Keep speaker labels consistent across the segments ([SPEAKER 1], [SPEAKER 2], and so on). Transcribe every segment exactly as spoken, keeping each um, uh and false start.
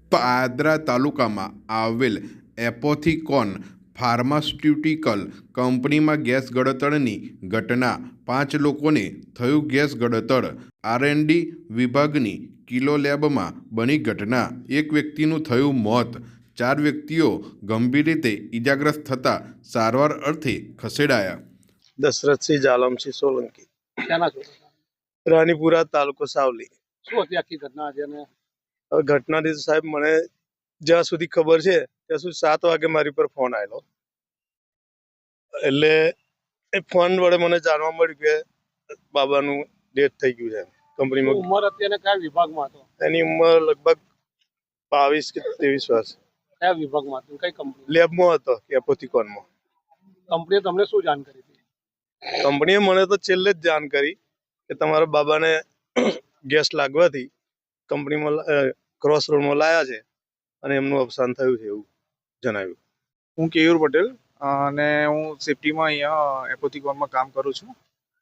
[SPEAKER 1] પાદરા તાલુકામાં આવેલ એપોથિકોન ફાર્માસ્યુટિકલ કંપનીમાં ગેસ ગળતરની ઘટના. પાંચ લોકોને થયું ગેસ ગળતર. આરએનડી વિભાગની કિલો લેબમાં બની ઘટના. એક વ્યક્તિનું થયું મોત. ચાર વ્યક્તિઓ ગંભીર રીતે ઇજાગ્રસ્ત થતા સારવાર અર્થે ખસેડાયા.
[SPEAKER 2] દશરથસિંહ જાલમસિંહ સોલંકી,
[SPEAKER 3] ક્યાંના છો?
[SPEAKER 2] રાણીપુરા, તાલુકો સાવલી.
[SPEAKER 3] શું હતી આખી ઘટના? છે ને
[SPEAKER 2] હવે ઘટનાથી તો સાહેબ મને જ્યાં સુધી ખબર છે ત્યાં સુધી સાત વાગે મારી પર ફોન આવેલો. એટલે એ ફોન વડે મને જાણવા મળ્યું કે બાબાનું ડેથ થઈ ગયું છે કંપનીમાં.
[SPEAKER 3] ઉંમર હતી અને કયા વિભાગમાં હતો?
[SPEAKER 2] એની ઉંમર લગભગ બાવીસ કે ત્રેવીસ વર્ષ.
[SPEAKER 3] કયા વિભાગમાં હતું? કઈ કંપની?
[SPEAKER 2] લેબમાં હતો, એપોથિકોનમાં.
[SPEAKER 3] કંપનીએ તમને શું જાણ કરી હતી?
[SPEAKER 2] કંપનીએ મને તો છેલ્લે જ જાણ કરી કે તમારા બાબાને ગેસ લાગવાથી કંપનીમાં ક્રોસ રોડમાં લાયા છે અને એમનું અવસાન થયું છે એવું જણાવ્યું.
[SPEAKER 4] હું કેયુર પટેલ અને હું સેફટીમાં અહીંયા એપોથિકોનમાં કામ કરું છું.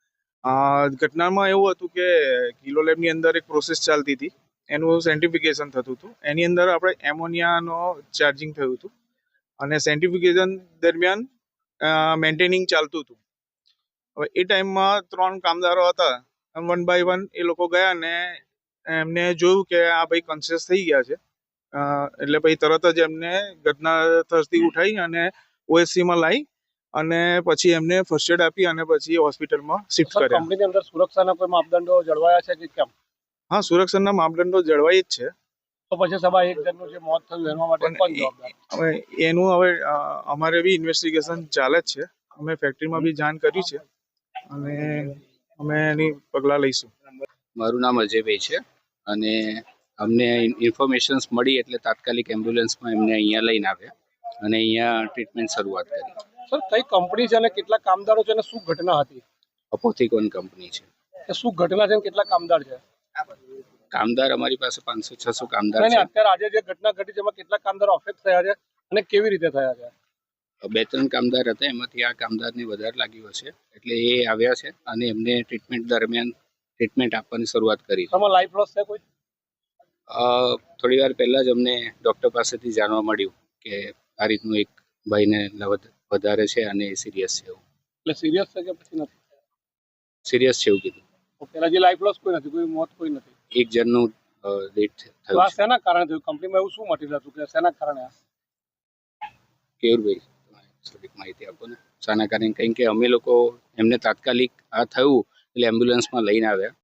[SPEAKER 4] ઘટનામાં એવું હતું કે કિલો લેબની અંદર એક પ્રોસેસ ચાલતી હતી, એનું સેન્ટિફિકેશન થતું હતું. એની અંદર આપણે એમોનિયાનો ચાર્જિંગ થયું હતું અને સેન્ટિફિકેશન દરમિયાન મેન્ટેનિંગ ચાલતું હતું. હવે એ ટાઈમમાં ત્રણ કામદારો હતા. વન બાય વન એ લોકો ગયા ને એમને જોયું કે આ ભાઈ કોન્શિયસ થઈ ગયા છે. એટલે પછી તરત જ એમને ઘટના સ્થળથી ઉઠાઈ અને ઓએસસીમાં લાવી અને પછી એમને ફર્સ્ટ એડ આપી અને પછી હોસ્પિટલમાં શિફ્ટ કર્યા.
[SPEAKER 3] કંપનીની અંદર સુરક્ષાના કોઈ માપદંડો જળવાયા છે કે કેમ?
[SPEAKER 4] હા, સુરક્ષાના માપદંડો જળવાઈ જ છે.
[SPEAKER 3] તો પછી સભા એક જણનું જે મોત થયું એના માટે કોણ જવાબદાર?
[SPEAKER 4] હવે એનું હવે અમારે બી ઇન્વેસ્ટિગેશન ચાલે જ છે. અમે ફેક્ટરીમાં બી જાણ કરી છે અને અમે એની પગલાં લઈશું.
[SPEAKER 5] મારું નામ અજયભાઈ છે અને અમને ઇન્ફોર્મેશન્સ મળી એટલે તાત્કાલિક એમ્બ્યુલન્સમાં એમને અહીંયા લઈને આવ્યા અને અહીંયા ટ્રીટમેન્ટ શરૂઆત કરી.
[SPEAKER 3] સર, કઈ કંપની છે અને કેટલા કામદારો છે અને શું ઘટના હતી?
[SPEAKER 5] અપોથિકોન કંપની છે.
[SPEAKER 3] શું ઘટના છે અને કેટલા કામદાર છે?
[SPEAKER 5] કામદાર અમારી પાસે પાંચસો છસો કામદાર છે.
[SPEAKER 3] અત્યારે આજે જે ઘટના ઘટી છે એમાં કેટલા કામદારો અફેક્ટ થયા છે અને કેવી રીતે થયા છે?
[SPEAKER 5] બે ત્રણ કામદાર હતા, એમાંથી આ કામદારને વધારે લાગ્યું હશે એટલે એ આવ્યા છે અને એમને ટ્રીટમેન્ટ દરમિયાન ટ્રીટમેન્ટ આપવાની શરૂઆત કરી.
[SPEAKER 3] તમારો લાઈફ લોસ છે કોઈ?
[SPEAKER 5] થોડી વાર પહેલા જ અમને ડૉક્ટર પાસેથી જાણવા મળ્યું કે આ રીતનું એક ભાઈને વધારે છે અને સિરિયસ છે એવું.
[SPEAKER 3] એટલે સિરિયસ છે કે પછી નથી?
[SPEAKER 5] સિરિયસ છે એવું કીધું.
[SPEAKER 3] ઓકે, હજી લાઈફ લોસ કોઈ નથી, કોઈ મોત કોઈ નથી?
[SPEAKER 5] એક જણનું ડેથ થયું.
[SPEAKER 3] આ શેના કારણે થયું? કંપનીમાં એવું શું મટીરિયલ હતું કે શેના કારણે?
[SPEAKER 5] કેયુરભાઈ થોડીક માહિતી આપો ને શાના કારણે? કારણ કે અમે લોકો એમને તાત્કાલિક આ થયું એટલે એમ્બ્યુલન્સમાં લઈને આવ્યા